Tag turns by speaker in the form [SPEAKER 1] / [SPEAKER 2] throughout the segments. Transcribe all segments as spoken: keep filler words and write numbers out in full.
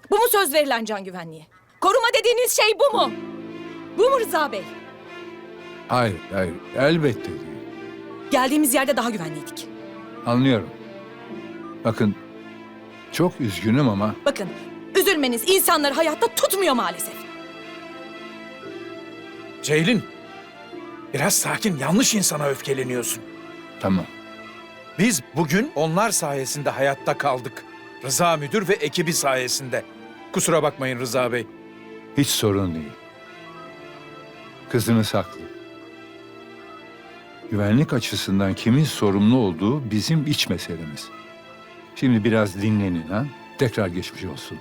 [SPEAKER 1] Bu mu söz verilen can güvenliği? Koruma dediğiniz şey bu mu? Bu mu Rıza Bey?
[SPEAKER 2] Hayır, hayır. Elbette değil.
[SPEAKER 1] Geldiğimiz yerde daha güvenliydik.
[SPEAKER 2] Anlıyorum. Bakın, çok üzgünüm ama
[SPEAKER 1] Bakın, üzülmeniz insanları hayatta tutmuyor maalesef.
[SPEAKER 3] Ceylin, biraz sakin, yanlış insana öfkeleniyorsun.
[SPEAKER 2] tamam.
[SPEAKER 3] Biz bugün onlar sayesinde hayatta kaldık. Rıza müdür ve ekibi sayesinde. Kusura bakmayın Rıza Bey.
[SPEAKER 2] Hiç sorun değil. Kızınız haklı. Güvenlik açısından kimin sorumlu olduğu bizim iç meselemiz. Şimdi biraz dinlenin ha. Tekrar geçmiş olsun.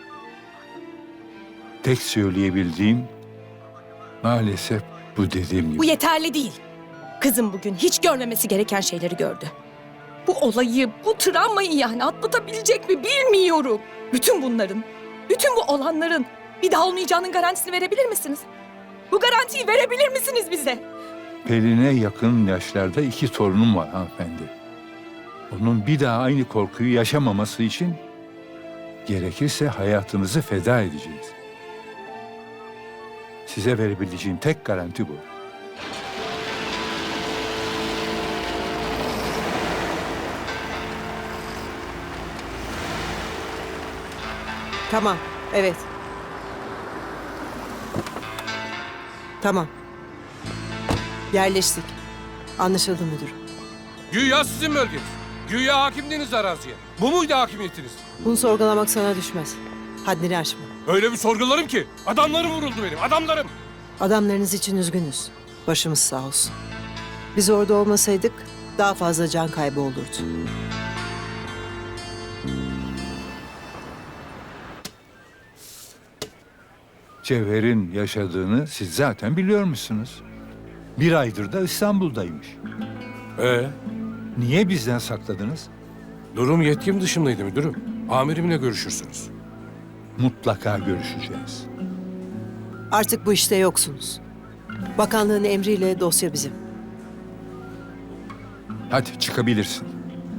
[SPEAKER 2] Tek söyleyebildiğim maalesef bu dediğim gibi.
[SPEAKER 1] Bu yeterli değil. Kızım bugün hiç görmemesi gereken şeyleri gördü. Bu olayı, bu travmayı yani atlatabilecek mi bilmiyorum. Bütün bunların, bütün bu olanların bir daha olmayacağının garantisini verebilir misiniz? Bu garantiyi verebilir misiniz bize?
[SPEAKER 2] Pelin'e yakın yaşlarda iki torunum var hanımefendi. Onun bir daha aynı korkuyu yaşamaması için gerekirse hayatınızı feda edeceğiz. Size verebileceğim tek garanti bu.
[SPEAKER 4] Tamam, evet. Tamam. Yerleştik. Anlaşıldı müdür.
[SPEAKER 5] Güya sizin bölgeniz. Güya hakimdiniz araziye. Bu muydu hakimiyetiniz?
[SPEAKER 4] Bunu sorgulamak sana düşmez. Haddini aşma.
[SPEAKER 5] Öyle bir sorgularım ki. Adamlarım vuruldu benim, adamlarım.
[SPEAKER 4] Adamlarınız için üzgünüz. Başımız sağ olsun. Biz orada olmasaydık daha fazla can kaybı olurdu.
[SPEAKER 2] Cevher'in yaşadığını siz zaten biliyormuşsunuz. Bir aydır da İstanbul'daymış.
[SPEAKER 5] Ee,
[SPEAKER 2] Niye bizden sakladınız?
[SPEAKER 5] durum yetkim dışındaydı müdürüm. Amirimle görüşürsünüz.
[SPEAKER 2] Mutlaka görüşeceğiz.
[SPEAKER 4] Artık bu işte yoksunuz. Bakanlığın emriyle dosya bizim.
[SPEAKER 2] Hadi çıkabilirsin.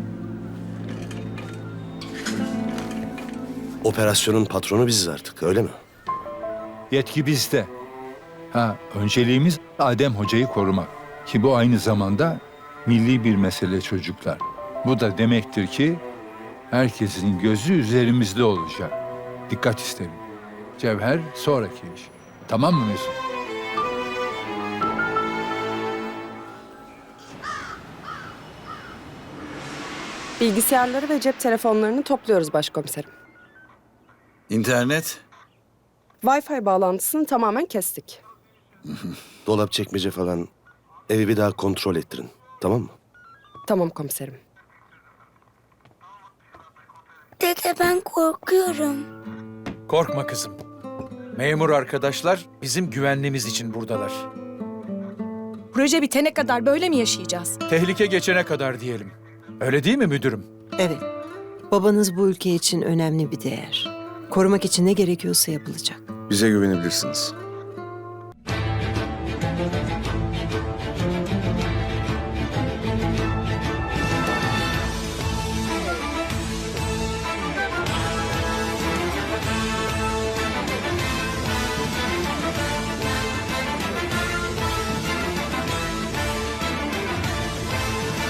[SPEAKER 6] Operasyonun patronu biziz artık, öyle mi?
[SPEAKER 2] Yetki bizde. Ha, önceliğimiz Adem Hoca'yı korumak. Ki bu aynı zamanda milli bir mesele çocuklar. Bu da demektir ki herkesin gözü üzerimizde olacak. Dikkat isterim. Cevher sonraki iş. Tamam mı Mesut?
[SPEAKER 7] Bilgisayarları ve cep telefonlarını topluyoruz başkomiserim.
[SPEAKER 8] İnternet?
[SPEAKER 7] Wi-Fi bağlantısını tamamen kestik.
[SPEAKER 6] Dolap çekmece falan evi bir daha kontrol ettirin, tamam mı?
[SPEAKER 7] Tamam komiserim.
[SPEAKER 9] Dede ben korkuyorum.
[SPEAKER 3] Korkma kızım. Memur arkadaşlar bizim güvenliğimiz için buradalar.
[SPEAKER 1] Proje bitene kadar böyle mi yaşayacağız?
[SPEAKER 3] Tehlike geçene kadar diyelim. Öyle değil mi müdürüm?
[SPEAKER 4] Evet. Babanız bu ülke için önemli bir değer. Korumak için ne gerekiyorsa yapılacak.
[SPEAKER 8] Bize güvenebilirsiniz.